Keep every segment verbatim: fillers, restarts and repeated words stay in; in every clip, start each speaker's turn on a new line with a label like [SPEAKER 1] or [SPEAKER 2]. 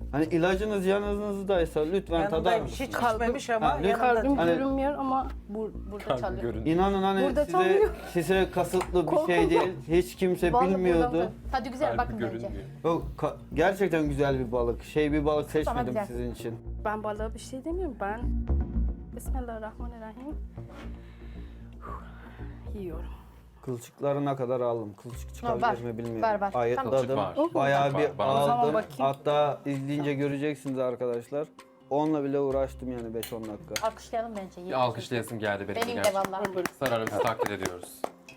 [SPEAKER 1] Hani ilacınız yanınızdaysa lütfen tadar
[SPEAKER 2] Yanındaymış, hiç
[SPEAKER 1] mısınız?
[SPEAKER 2] içmemiş ama
[SPEAKER 1] Ha, lütfen.
[SPEAKER 2] yanında.
[SPEAKER 3] Kalbim
[SPEAKER 1] Hani-
[SPEAKER 3] görünmüyor ama bu, burada çalıyor.
[SPEAKER 1] İnanın hani
[SPEAKER 3] Burada
[SPEAKER 1] size,
[SPEAKER 3] çalıyor.
[SPEAKER 1] size kasıtlı bir şey
[SPEAKER 3] Korkuyorum.
[SPEAKER 1] değil. Hiç kimse
[SPEAKER 3] Vallahi
[SPEAKER 1] bilmiyordu.
[SPEAKER 3] buradan-
[SPEAKER 4] Tadı güzel bakın bence.
[SPEAKER 5] görünmüyor.
[SPEAKER 1] Yok, ka- gerçekten güzel bir balık. Şey bir balık seçmedim
[SPEAKER 4] güzel.
[SPEAKER 1] sizin için.
[SPEAKER 3] Ben balığa bir şey demiyorum. Ben Bismillahirrahmanirrahim yiyorum.
[SPEAKER 1] Kılçıklarına kadar aldım. Kılçık çıkabilir mi bilmiyorum.
[SPEAKER 4] var, var.
[SPEAKER 1] Ayıtladım.
[SPEAKER 5] Kılçık var.
[SPEAKER 1] Bayağı
[SPEAKER 5] Kılçık
[SPEAKER 1] bir
[SPEAKER 5] var. Bana
[SPEAKER 3] da-
[SPEAKER 1] aldım.
[SPEAKER 3] Bakayım.
[SPEAKER 1] Hatta izleyince göreceksiniz arkadaşlar. Onunla bile uğraştım yani beş on dakika.
[SPEAKER 4] Alkışlayalım bence.
[SPEAKER 5] Bir alkışlayasım geldi benim,
[SPEAKER 4] Benim de
[SPEAKER 5] gerçekten.
[SPEAKER 4] vallahi.
[SPEAKER 5] Sara Hanım sizi takdir ediyoruz.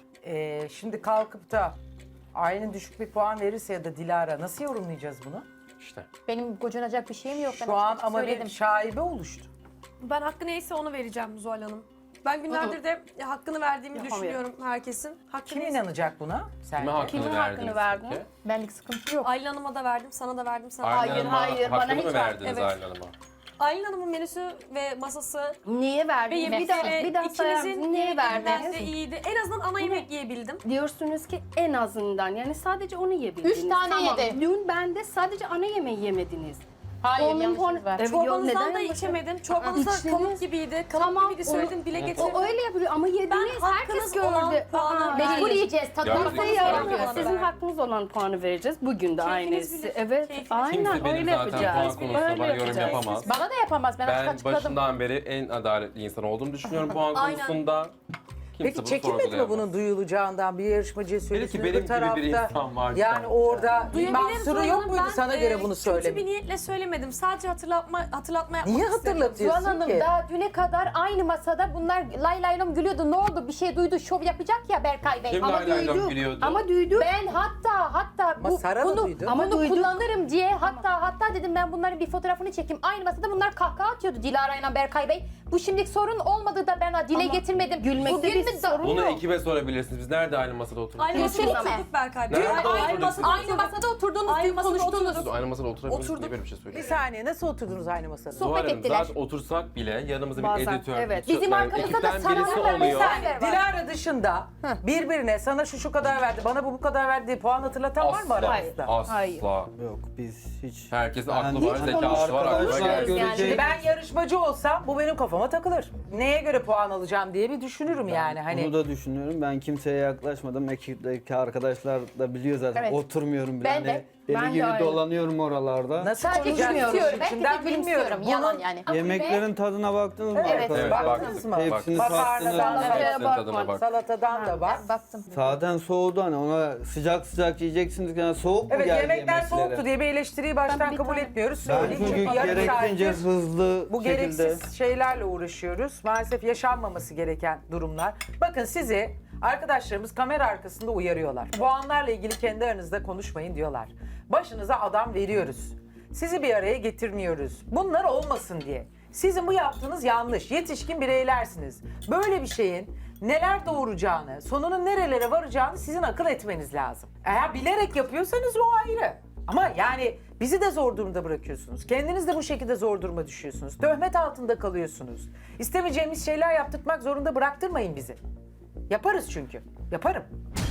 [SPEAKER 2] Ee, şimdi kalkıp da Aylin düşük bir puan verirse ya da Dilara nasıl yorumlayacağız bunu?
[SPEAKER 5] İşte.
[SPEAKER 4] Benim gocunacak bir şeyim yok. Ben
[SPEAKER 2] Şu an
[SPEAKER 4] açık
[SPEAKER 2] ama
[SPEAKER 4] söyledim.
[SPEAKER 2] bir şaibe oluştu.
[SPEAKER 6] Ben hakkı neyse onu vereceğim Zuhal Hanım. Ben günlerdir de hakkını verdiğimi
[SPEAKER 3] Yapamıyorum.
[SPEAKER 6] düşünüyorum herkesin. Hakkı
[SPEAKER 2] Kim
[SPEAKER 6] neyse-
[SPEAKER 2] inanacak buna? Sen.
[SPEAKER 5] Kime hakkını
[SPEAKER 3] Kimin
[SPEAKER 5] verdiniz
[SPEAKER 3] hakkını verdin?
[SPEAKER 5] peki?
[SPEAKER 4] Benlik sıkıntı yok.
[SPEAKER 6] Aylin Hanım'a da verdim, sana da verdim, sana da
[SPEAKER 4] Hayır,
[SPEAKER 5] Aylin Hanım'a
[SPEAKER 4] hayır, bana
[SPEAKER 5] hakkını
[SPEAKER 4] hiç
[SPEAKER 5] mı
[SPEAKER 4] ver-
[SPEAKER 5] verdiniz
[SPEAKER 6] evet.
[SPEAKER 5] Aylin Hanım'a?
[SPEAKER 6] Aylin Hanım'ın menüsü ve masası
[SPEAKER 3] Niye verdin?
[SPEAKER 6] ve
[SPEAKER 3] Bir daha,
[SPEAKER 6] yemekleri
[SPEAKER 3] bir daha sayar
[SPEAKER 6] ikinizin
[SPEAKER 3] mısın? Niye
[SPEAKER 6] yemekleri de
[SPEAKER 3] verdiniz?
[SPEAKER 6] iyiydi. En azından ana yemek yiyebildim.
[SPEAKER 3] Diyorsunuz ki en azından yani sadece onu yiyebildiniz.
[SPEAKER 4] Üç tane
[SPEAKER 3] Tamam.
[SPEAKER 4] yedi.
[SPEAKER 3] Dün bende sadece ana yemeği yemediniz.
[SPEAKER 4] Hayır,
[SPEAKER 3] Onun
[SPEAKER 4] yanlışınız
[SPEAKER 3] puanı-
[SPEAKER 4] var.
[SPEAKER 3] Evet, yok,
[SPEAKER 6] Çorbanızdan
[SPEAKER 3] neden
[SPEAKER 6] da
[SPEAKER 3] yapacağım?
[SPEAKER 6] içemedim. Çorbanız da
[SPEAKER 3] İçtiniz.
[SPEAKER 6] kalıp gibiydi. Kalıp
[SPEAKER 3] Tamam,
[SPEAKER 6] gibiydi
[SPEAKER 3] onu-
[SPEAKER 6] söyledim, dile getirdim.
[SPEAKER 3] O öyle yapıyor ama yediniz herkes
[SPEAKER 6] hakkınız olan
[SPEAKER 3] gördü.
[SPEAKER 6] puanı
[SPEAKER 3] Aa,
[SPEAKER 6] verdim.
[SPEAKER 4] Mecbur yiyeceğiz. Tadına
[SPEAKER 5] Gördünüz.
[SPEAKER 4] bakmanız
[SPEAKER 3] Size
[SPEAKER 5] Gördünüz.
[SPEAKER 3] yaramıyor.
[SPEAKER 4] gerekiyor.
[SPEAKER 3] Sizin hakkınız olan puanı vereceğiz. Bugün de
[SPEAKER 6] Keyfiniz
[SPEAKER 3] aynısı.
[SPEAKER 6] bilir.
[SPEAKER 3] Evet,
[SPEAKER 6] Keyfiniz
[SPEAKER 3] aynen
[SPEAKER 5] Kimse benim
[SPEAKER 3] öyle
[SPEAKER 5] zaten
[SPEAKER 3] yapacağız.
[SPEAKER 5] puan konusunda
[SPEAKER 3] Öyle
[SPEAKER 5] bana yorum
[SPEAKER 3] yapacağız.
[SPEAKER 5] yapamaz.
[SPEAKER 4] Bana da yapamaz. Ben,
[SPEAKER 5] Ben
[SPEAKER 4] açık açıkladım.
[SPEAKER 5] başından beri en adaletli insan olduğumu düşünüyorum puan
[SPEAKER 6] Aynen.
[SPEAKER 5] konusunda. Kimse
[SPEAKER 2] Peki
[SPEAKER 5] bunu
[SPEAKER 2] çekinmedi mi
[SPEAKER 5] sorgulayamaz.
[SPEAKER 2] bunun duyulacağından bir yarışmacıya söylesiniz
[SPEAKER 5] benim
[SPEAKER 2] bu
[SPEAKER 5] gibi
[SPEAKER 2] tarafta?
[SPEAKER 5] bir insan var
[SPEAKER 2] Yani
[SPEAKER 5] sanki.
[SPEAKER 2] orada bir
[SPEAKER 6] Duyabilirim
[SPEAKER 2] mahsuru
[SPEAKER 6] Zuhal
[SPEAKER 2] yok
[SPEAKER 6] Hanım.
[SPEAKER 2] muydu
[SPEAKER 6] Ben,
[SPEAKER 2] sana
[SPEAKER 6] e,
[SPEAKER 2] göre bunu
[SPEAKER 6] Kötü
[SPEAKER 2] söyleme?
[SPEAKER 6] bir niyetle söylemedim. Sadece hatırlatma, hatırlatma yapmak
[SPEAKER 2] Niye
[SPEAKER 6] istedim.
[SPEAKER 2] hatırlatıyorsun
[SPEAKER 4] Zuhal Hanım
[SPEAKER 2] ki?
[SPEAKER 4] daha düne kadar aynı masada bunlar lay lay lom gülüyordu. Ne oldu? Bir şey duydu. Şov yapacak ya Berkay Bey.
[SPEAKER 5] Kim
[SPEAKER 4] Ama
[SPEAKER 5] lay lay lom
[SPEAKER 4] duydu.
[SPEAKER 5] gülüyordu?
[SPEAKER 3] Ama duyduk.
[SPEAKER 4] Ben hatta hatta
[SPEAKER 2] Ama
[SPEAKER 4] bu,
[SPEAKER 2] Sara da
[SPEAKER 4] bunu,
[SPEAKER 2] duydu.
[SPEAKER 4] ama
[SPEAKER 3] Ama
[SPEAKER 4] bunu
[SPEAKER 3] duyduk.
[SPEAKER 4] kullanırım diye hatta hatta dedim ben bunların bir fotoğrafını çekeyim. Aynı masada bunlar kahkaha atıyordu Dilara ile Berkay Bey. Bu şimdilik sorun olmadı da ben dile
[SPEAKER 3] Ama
[SPEAKER 4] getirmedim.
[SPEAKER 3] gülmekte
[SPEAKER 4] Bugün
[SPEAKER 3] bir
[SPEAKER 4] mü da-
[SPEAKER 3] sorun
[SPEAKER 5] Bunu
[SPEAKER 3] yok.
[SPEAKER 5] ekibe sorabilirsiniz. Biz nerede aynı masada oturduk?
[SPEAKER 6] Aynı masada
[SPEAKER 4] Göstereyim mi?
[SPEAKER 6] oturduk Berkay Bey.
[SPEAKER 5] Nerede
[SPEAKER 6] Aynı,
[SPEAKER 5] oturduk?
[SPEAKER 6] aynı masada
[SPEAKER 4] Aynı
[SPEAKER 6] oturduk.
[SPEAKER 4] masada oturdunuz,
[SPEAKER 6] Aynı
[SPEAKER 4] dün
[SPEAKER 6] masada
[SPEAKER 4] konuştunuz.
[SPEAKER 6] oturduk.
[SPEAKER 5] Aynı masada oturamıyoruz.
[SPEAKER 6] Oturduk.
[SPEAKER 5] Niye böyle bir şey
[SPEAKER 2] Bir
[SPEAKER 5] söylüyorsun?
[SPEAKER 2] saniye nasıl oturdunuz aynı masada?
[SPEAKER 4] Sohbet
[SPEAKER 5] Zuhal Hanım,
[SPEAKER 4] ettiler.
[SPEAKER 5] zaten otursak bile yanımızda bir
[SPEAKER 3] Bazen,
[SPEAKER 5] editör,
[SPEAKER 3] evet.
[SPEAKER 5] bir
[SPEAKER 4] Bizim
[SPEAKER 5] yani
[SPEAKER 4] arkamızda da
[SPEAKER 5] ekipten
[SPEAKER 4] Sara
[SPEAKER 5] birisi
[SPEAKER 4] Hanım'la
[SPEAKER 5] oluyor.
[SPEAKER 4] Veysel var.
[SPEAKER 2] Dilara dışında birbirine sana şu şu kadar verdi, bana bu bu kadar verdi diye puan hatırlatan var mı
[SPEAKER 5] Asla,
[SPEAKER 2] aranızda?
[SPEAKER 5] asla.
[SPEAKER 3] Hayır.
[SPEAKER 1] Yok biz hiç...
[SPEAKER 5] Herkesin
[SPEAKER 1] Ben
[SPEAKER 5] aklı var,
[SPEAKER 1] hiç
[SPEAKER 5] zekası var, aklı var.
[SPEAKER 1] arkadaşlar
[SPEAKER 5] Herkes-
[SPEAKER 3] Yani.
[SPEAKER 1] görecek.
[SPEAKER 2] Şimdi ben yarışmacı olsam bu benim kafama takılır. Neye göre puan alacağım diye bir düşünürüm yani. Hani
[SPEAKER 1] Bunu da düşünüyorum. Ben kimseye yaklaşmadım. Ekipteki arkadaşlar da biliyor zaten.
[SPEAKER 4] Evet.
[SPEAKER 1] Oturmuyorum bile.
[SPEAKER 4] Ben
[SPEAKER 1] Hani
[SPEAKER 4] de.
[SPEAKER 1] deli
[SPEAKER 3] Ben de
[SPEAKER 1] gibi
[SPEAKER 3] aynı.
[SPEAKER 1] dolanıyorum oralarda.
[SPEAKER 2] nasıl
[SPEAKER 4] Sadece
[SPEAKER 2] konuşacağım
[SPEAKER 4] gülümsüyorum. Belki de
[SPEAKER 2] içinden
[SPEAKER 4] gülümsüyorum.
[SPEAKER 2] bilmiyorum.
[SPEAKER 4] Yalan
[SPEAKER 2] Bunun
[SPEAKER 4] yani.
[SPEAKER 1] Yemeklerin tadına baktınız mı
[SPEAKER 4] Evet.
[SPEAKER 1] arkadaşlar?
[SPEAKER 5] Evet,
[SPEAKER 2] Baktınız mı?
[SPEAKER 1] Hepsini
[SPEAKER 2] Makarnadan
[SPEAKER 1] tattınız.
[SPEAKER 2] da-
[SPEAKER 5] Hepsinin tadına bak.
[SPEAKER 2] salatadan da var.
[SPEAKER 4] Baktım.
[SPEAKER 1] Zaten soğudu hani ona sıcak sıcak yiyeceksiniz. Yani soğuk mu
[SPEAKER 2] Evet
[SPEAKER 1] geldi
[SPEAKER 2] yemekler
[SPEAKER 1] yemeklere?
[SPEAKER 2] soğuktu diye bir eleştiriyi baştan
[SPEAKER 3] Ben bir
[SPEAKER 2] kabul
[SPEAKER 3] tane-
[SPEAKER 2] etmiyoruz.
[SPEAKER 1] Ben
[SPEAKER 2] Söyleyeyim
[SPEAKER 1] çünkü
[SPEAKER 2] çünkü yarım
[SPEAKER 1] gerekince
[SPEAKER 2] saattir
[SPEAKER 1] hızlı
[SPEAKER 2] bu
[SPEAKER 1] şekilde...
[SPEAKER 2] gereksiz şeylerle uğraşıyoruz. Maalesef yaşanmaması gereken durumlar. Bakın sizi arkadaşlarımız kamera arkasında uyarıyorlar. Puanlarla ilgili kendi aranızda konuşmayın diyorlar. Başınıza adam veriyoruz. Sizi bir araya getirmiyoruz. Bunlar olmasın diye. Sizin bu yaptığınız yanlış. Yetişkin bireylersiniz. Böyle bir şeyin neler doğuracağını, sonunun nerelere varacağını sizin akıl etmeniz lazım. Eğer bilerek yapıyorsanız o ayrı. Ama yani bizi de zor durumda bırakıyorsunuz. Kendiniz de bu şekilde zor duruma düşüyorsunuz. Töhmet altında kalıyorsunuz. İstemeyeceğimiz şeyler yaptırtmak zorunda bıraktırmayın bizi. Yaparız çünkü. Yaparım.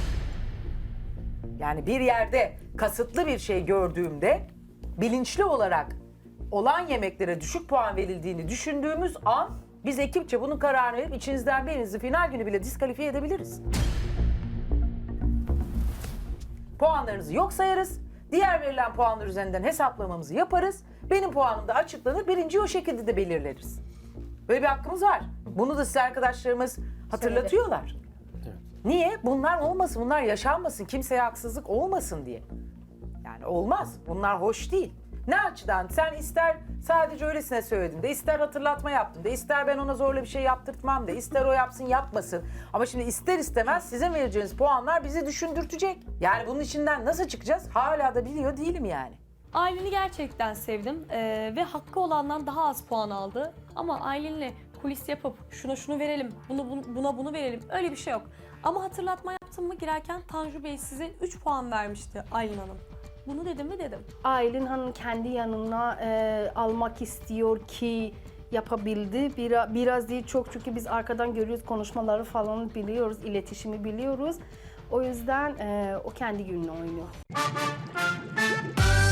[SPEAKER 2] Yani bir yerde kasıtlı bir şey gördüğümde bilinçli olarak olan yemeklere düşük puan verildiğini düşündüğümüz an biz ekipçe bunun kararını verip içinizden birinizi final günü bile diskalifiye edebiliriz. Puanlarınızı yok sayarız. Diğer verilen puanlar üzerinden hesaplamamızı yaparız. Benim puanım da açıklanır. Birinciyi o şekilde de belirleriz. Böyle bir hakkımız var. Bunu da size arkadaşlarımız hatırlatıyorlar. Niye? Bunlar olmasın, bunlar yaşanmasın, kimseye haksızlık olmasın diye. Yani olmaz. Bunlar hoş değil. Ne açıdan? Sen ister sadece öylesine söyledin de, ister hatırlatma yaptın de, ister ben ona zorla bir şey yaptırtmam de, ister o yapsın yapmasın. Ama şimdi ister istemez sizin vereceğiniz puanlar bizi düşündürtecek. Yani bunun içinden nasıl çıkacağız? Hala da biliyor değilim yani.
[SPEAKER 7] Aylin'i gerçekten sevdim ee, ve hakkı olandan daha az puan aldı. Ama Aylin'le kulis yapıp şuna şunu verelim, bunu, bunu buna bunu verelim öyle bir şey yok. Ama hatırlatma yaptım mı girerken Tanju Bey size üç puan vermişti Aylin Hanım. Bunu dedim mi dedim.
[SPEAKER 3] Aylin Hanım kendi yanına e, almak istiyor ki yapabildi. Biraz, biraz değil çok çünkü biz arkadan görüyoruz konuşmaları falan biliyoruz, iletişimi biliyoruz. O yüzden e, o kendi gününü oynuyor.